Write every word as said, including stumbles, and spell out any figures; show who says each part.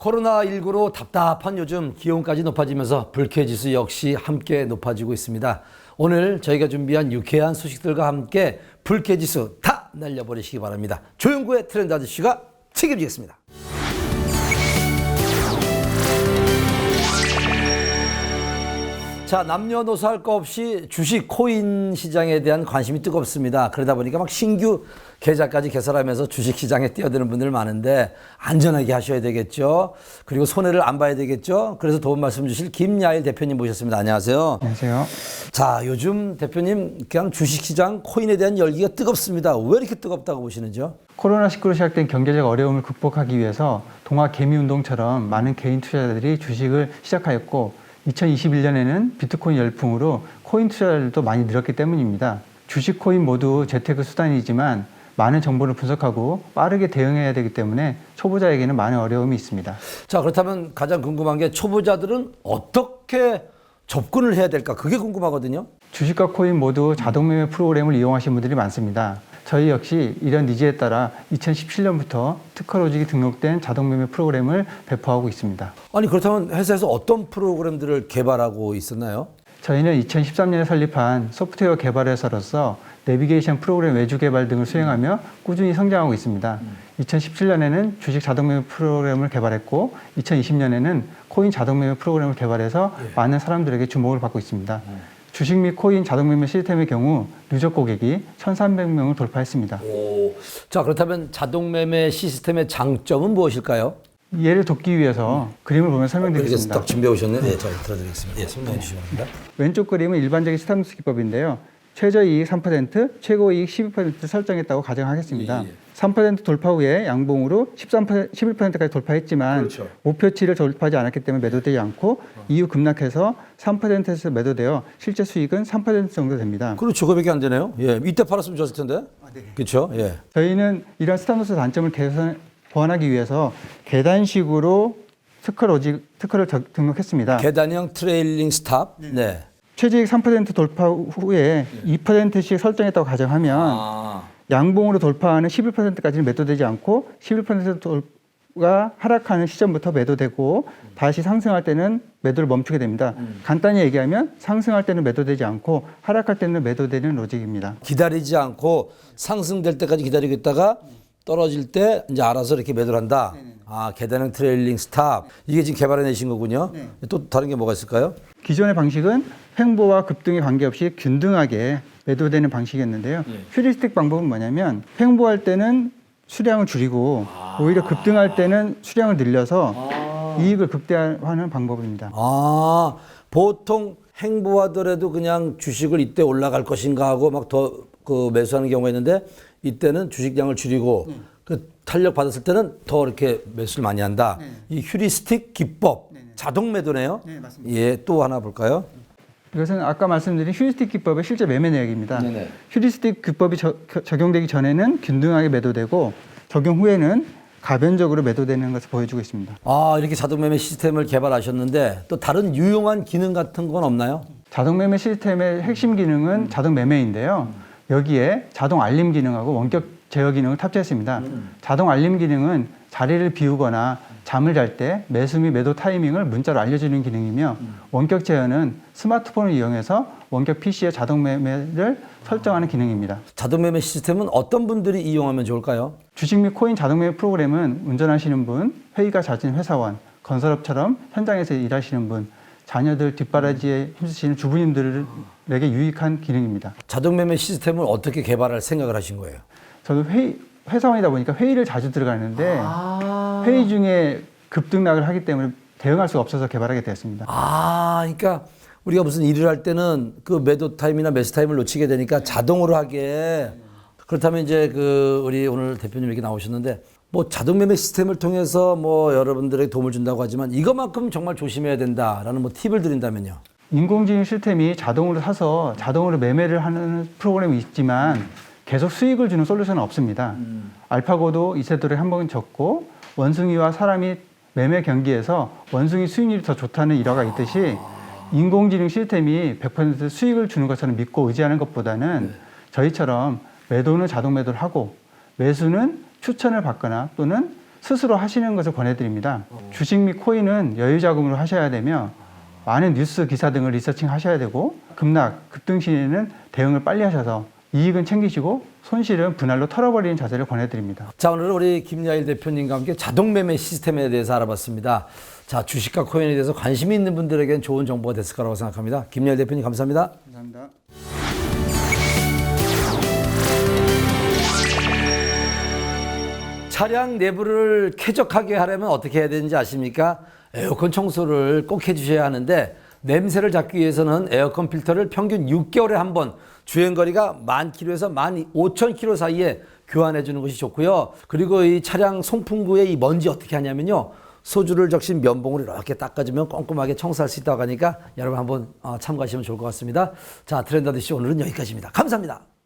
Speaker 1: 코로나십구로 답답한 요즘 기온까지 높아지면서 불쾌지수 역시 함께 높아지고 있습니다. 오늘 저희가 준비한 유쾌한 소식들과 함께 불쾌지수 다 날려버리시기 바랍니다. 조용구의 트렌드 아저씨가 책임지겠습니다. 자, 남녀노소 할 거 없이 주식 코인 시장에 대한 관심이 뜨겁습니다. 그러다 보니까 막 신규 계좌까지 개설하면서 주식 시장에 뛰어드는 분들 많은데 안전하게 하셔야 되겠죠. 그리고 손해를 안 봐야 되겠죠. 그래서 도움 말씀 주실 김야일 대표님 모셨습니다. 안녕하세요.
Speaker 2: 안녕하세요.
Speaker 1: 자, 요즘 대표님 그냥 주식 시장 코인에 대한 열기가 뜨겁습니다. 왜 이렇게 뜨겁다고 보시는지요?
Speaker 2: 코로나십구로 시작된 경제적 어려움을 극복하기 위해서 동학 개미운동처럼 많은 개인 투자자들이 주식을 시작하였고 이천이십일 년에는 비트코인 열풍으로 코인 투자자들도 많이 늘었기 때문입니다. 주식 코인 모두 재테크 수단이지만 많은 정보를 분석하고 빠르게 대응해야 되기 때문에 초보자에게는 많은 어려움이 있습니다.
Speaker 1: 자, 그렇다면 가장 궁금한 게 초보자들은 어떻게 접근을 해야 될까? 그게 궁금하거든요.
Speaker 2: 주식과 코인 모두 자동매매 프로그램을 이용하시는 분들이 많습니다. 저희 역시 이런 니즈에 따라 이천십칠 년부터 특허로직이 등록된 자동매매 프로그램을 배포하고 있습니다.
Speaker 1: 아니, 그렇다면 회사에서 어떤 프로그램들을 개발하고 있었나요?
Speaker 2: 저희는 이천십삼 년에 설립한 소프트웨어 개발 회사로서 내비게이션 프로그램 외주 개발 등을 수행하며 꾸준히 성장하고 있습니다. 음. 이천십칠 년에는 주식 자동매매 프로그램을 개발했고 이천이십 년에는 코인 자동매매 프로그램을 개발해서 예. 많은 사람들에게 주목을 받고 있습니다. 음. 주식 및 코인 자동매매 시스템의 경우 누적 고객이 천삼백 명을 돌파했습니다.
Speaker 1: 오. 자, 그렇다면 자동매매 시스템의 장점은 무엇일까요?
Speaker 2: 이해를 돕기 위해서 음. 그림을 보면 설명드리겠습니다.
Speaker 1: 딱 준비해 오셨네요. 네, 저 들어드리겠습니다. 예, 설명해 주시기 바랍니다.
Speaker 2: 왼쪽 그림은 일반적인 스타벅스 기법인데요. 최저이익 삼 퍼센트, 최고이익 십이 퍼센트 설정했다고 가정하겠습니다. 예, 예. 삼 퍼센트 돌파 후에 양봉으로 십삼 퍼센트, 십일 퍼센트까지 돌파했지만
Speaker 1: 그렇죠.
Speaker 2: 목표치를 돌파하지 않았기 때문에 매도되지 않고 어. 이후 급락해서 삼 퍼센트에서 매도되어 실제 수익은 삼 퍼센트 정도 됩니다.
Speaker 1: 그렇죠. 그거밖에 안 되네요. 예, 이때 팔았으면 좋았을 텐데. 아, 네. 그렇죠. 예.
Speaker 2: 저희는 이런 스타벅스 단점을 개선, 보완하기 위해서 계단식으로 특허 로직, 특허를 등록했습니다.
Speaker 1: 계단형 트레일링 스탑. 네. 네.
Speaker 2: 최저이익 삼 퍼센트 돌파 후에 네. 이 퍼센트씩 설정했다고 가정하면 아. 양봉으로 돌파하는 십일 퍼센트까지는 매도되지 않고 십일 퍼센트가 하락하는 시점부터 매도되고 음. 다시 상승할 때는 매도를 멈추게 됩니다. 음. 간단히 얘기하면 상승할 때는 매도되지 않고 하락할 때는 매도되는 로직입니다.
Speaker 1: 기다리지 않고 상승될 때까지 기다리고 있다가 떨어질 때 이제 알아서 이렇게 매도를 한다. 네네. 아, 계단형 트레일링 스탑. 이게 지금 개발해내신 거군요. 네. 또 다른 게 뭐가 있을까요?
Speaker 2: 기존의 방식은 횡보와 급등에 관계없이 균등하게 매도되는 방식이었는데요. 네. 휴리스틱 방법은 뭐냐면 횡보할 때는 수량을 줄이고 아. 오히려 급등할 때는 수량을 늘려서 아. 이익을 극대화하는 방법입니다.
Speaker 1: 아, 보통 횡보하더라도 그냥 주식을 이때 올라갈 것인가 하고 막 더 그 매수하는 경우가 있는데 이때는 주식량을 줄이고 네. 그 탄력 받았을 때는 더 이렇게 매수를 많이 한다. 네. 이 휴리스틱 기법, 네. 자동 매도네요. 네, 맞습니다. 예, 또 하나 볼까요?
Speaker 2: 이것은 아까 말씀드린 휴리스틱 기법의 실제 매매 내역입니다. 네네. 휴리스틱 기법이 저, 적용되기 전에는 균등하게 매도되고 적용 후에는 가변적으로 매도되는 것을 보여주고 있습니다.
Speaker 1: 아, 이렇게 자동 매매 시스템을 개발하셨는데 또 다른 유용한 기능 같은 건 없나요?
Speaker 2: 자동 매매 시스템의 핵심 기능은 음. 자동 매매인데요. 음. 여기에 자동 알림 기능하고 원격 제어 기능을 탑재했습니다. 음. 자동 알림 기능은 자리를 비우거나 잠을 잘 때 매수 및 매도 타이밍을 문자로 알려주는 기능이며 음. 원격 제어는 스마트폰을 이용해서 원격 피시에 자동 매매를 설정하는 기능입니다.
Speaker 1: 자동 매매 시스템은 어떤 분들이 이용하면 좋을까요?
Speaker 2: 주식 및 코인 자동 매매 프로그램은 운전하시는 분, 회의가 잦은 회사원, 건설업처럼 현장에서 일하시는 분, 자녀들 뒷바라지에 힘쓰시는 주부님들에게 유익한 기능입니다.
Speaker 1: 자동 매매 시스템을 어떻게 개발할 생각을 하신 거예요?
Speaker 2: 저도 회의, 회사원이다 보니까 회의를 자주 들어가는데 아~ 회의 중에 급등락을 하기 때문에 대응할 수가 없어서 개발하게 되었습니다.
Speaker 1: 아, 그러니까 우리가 무슨 일을 할 때는 그 매도 타임이나 매수 타임을 놓치게 되니까 자동으로 하게. 그렇다면 이제 그 우리 오늘 대표님 이렇게 나오셨는데 뭐 자동 매매 시스템을 통해서 뭐 여러분들에게 도움을 준다고 하지만 이것만큼 정말 조심해야 된다라는 뭐 팁을 드린다면요.
Speaker 2: 인공지능 시스템이 자동으로 사서 자동으로 매매를 하는 프로그램이 있지만 계속 수익을 주는 솔루션은 없습니다. 음. 알파고도 이세돌에 한 번 졌고 원숭이와 사람이 매매 경기에서 원숭이 수익률이 더 좋다는 일화가 있듯이 아. 인공지능 시스템이 백 퍼센트 수익을 주는 것처럼 믿고 의지하는 것보다는 네. 저희처럼 매도는 자동 매도를 하고 매수는 추천을 받거나 또는 스스로 하시는 것을 권해드립니다. 어. 주식 및 코인은 여유 자금으로 하셔야 되며 많은 뉴스 기사 등을 리서칭 하셔야 되고 급락, 급등 시에는 대응을 빨리 하셔서 이익은 챙기시고 손실은 분할로 털어버리는 자세를 권해드립니다.
Speaker 1: 자, 오늘은 우리 김야일 대표님과 함께 자동 매매 시스템에 대해서 알아봤습니다. 자, 주식과 코인에 대해서 관심이 있는 분들에게는 좋은 정보가 됐을 거라고 생각합니다. 김야일 대표님 감사합니다.
Speaker 2: 감사합니다.
Speaker 1: 차량 내부를 쾌적하게 하려면 어떻게 해야 되는지 아십니까? 에어컨 청소를 꼭 해주셔야 하는데 냄새를 잡기 위해서는 에어컨 필터를 평균 육 개월에 한 번 주행거리가 만 킬로에서 만 오천 킬로 사이에 교환해 주는 것이 좋고요. 그리고 이 차량 송풍구의 이 먼지 어떻게 하냐면요. 소주를 적신 면봉으로 이렇게 닦아주면 꼼꼼하게 청소할 수 있다고 하니까 여러분 한번 참고하시면 좋을 것 같습니다. 자, 트렌드 아저씨 오늘은 여기까지입니다. 감사합니다.